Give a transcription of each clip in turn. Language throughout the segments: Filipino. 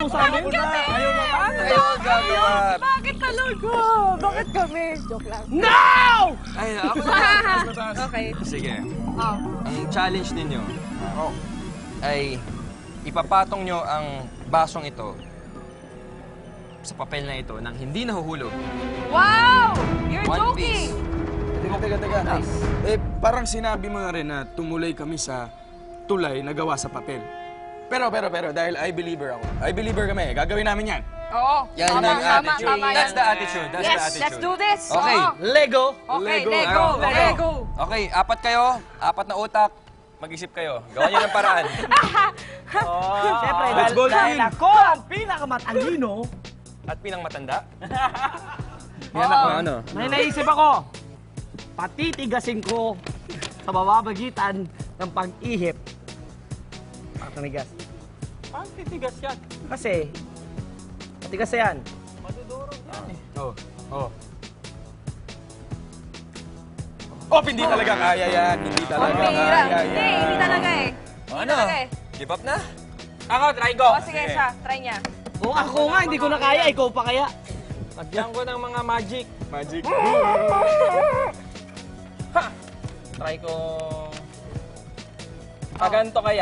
sa amin? Ayaw mo ba? Ayaw mo gagawa. Bakit talaga? Bakit kami? Joke lang. No! Ay, ako na. Okay. Sige. Oh. Ang challenge ninyo ay ipapatong nyo ang basong ito sa papel na ito nang hindi nahuhulog. Wow! You're One joking! piece. Teka. Eh, parang sinabi mo na rin na tumulay kami sa tulay na gawa sa papel. Pero, dahil I believer ako. I believer kami. Gagawin namin yan. Oo. Yan Tama, ang tama, attitude. tama That's yan. the attitude. That's the Yes, attitude. let's do this. Okay. Oo. Lego. Okay, Lego. Lego. Okay. Lego. Okay, apat kayo. Apat na utak. Mag-isip kayo. Gawa nyo ng paraan. Siyempre, Let's go, dahil Jin. ako ang pinakamatalino, At pinang matanda. Yan ako, ano? may naisip ako, patitigasin ko sa bababagitan ng pag-ihip. Patanigas. Paano titigas yan? Kasi, patigas yan. Oh, hindi talaga kaya yan. Hindi talaga Pambira. kaya Hindi, yan. hindi talaga eh. Hindi Ano? talaga eh. Give up na? Ako, try ko. O, sige siya. Try niya. Kung ako nga, hindi ko na kaya, ikaw pa kaya. Lagyan ko ng mga magic. Magic. Try ko... Paganto kaya.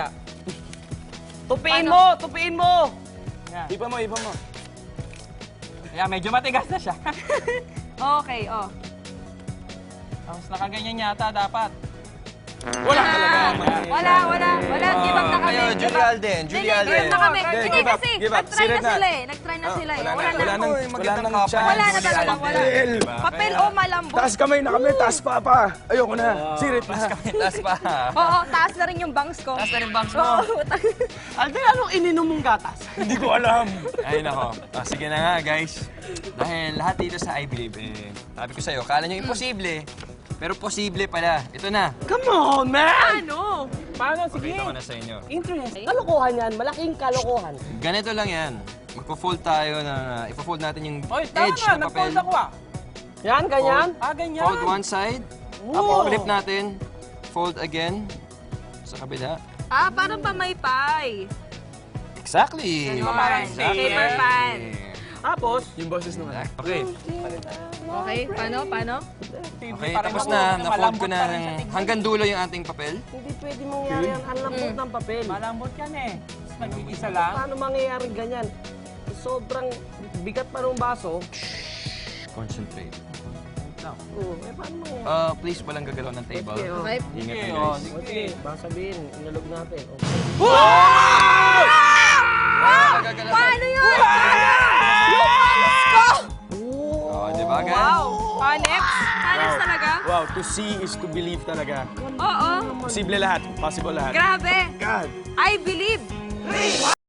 Tupiin mo! Ipa mo. Kaya medyo matigas na siya. Okay, oh. Tapos nakaganyan yata dapat. Wala talaga. Wala. Give up na kami. Kayo, Give Julie up. Alden. Hindi, Julie give Alden. up na kami. Okay, Hindi give up, kasi, give up. nag-try na Sirit na. sila eh. Nag-try na sila eh. Wala Wala na. nang Uy, wala magandang nang couple. chance. Wala na Julie talaga, Alden. wala. Papel o malambot. Taas kamay na kami, taas pa. Ayoko na. Sirit na. Taas pa. Oo, taas na rin yung bangs ko. Taas na rin bangs mo. Oo. Alden, anong ininom mong gatas? Hindi ko alam. Ay, nako. Sige na nga, guys. Dahil lahat dito sa I Believe, sabi ko sa'yo, kala nyo imposible. Pero posible pala. Ito na. Come on, man! Ano? Paano? Sige. Pakita ko na sa inyo. Kalokohan yan, malaking kalokohan. Ganito lang yan. Magpo-fold tayo na, ipo-fold natin yung Oy, tama edge nga. ng papel. Nag-fold ako ah. Yan, ganyan. Ganyan. Fold one side. Wow. Flip natin. Fold again. Sa kabila. Ah, parang pamaypay. Exactly. Ganon. Paper fan. Tapos, Yung boses naman. Okay. Okay, paano? Okay, tapos na. Na-fold ko na ng hanggang dulo yung ating papel. hindi pwede mangyari yan. Ang lambot ng papel. Malambot yan eh. Tapos nag-iisa lang. Paano mangyayari ganyan? Sobrang bigat pa ng baso. Concentrate. Paano mangyayari? Please, walang gagalaw ng table. Okay. Ingat Sige, kayo, oh, guys. sige. Okay, baka sabihin, inalog natin. Walang gagalaw. Paano yun? Yung panos ko! Oh, di ba, guys? Wow. Paneps? Paneps talaga? Wow, to see is to believe talaga. Oo. Posible lahat. Possible lahat. Grabe. God. I believe.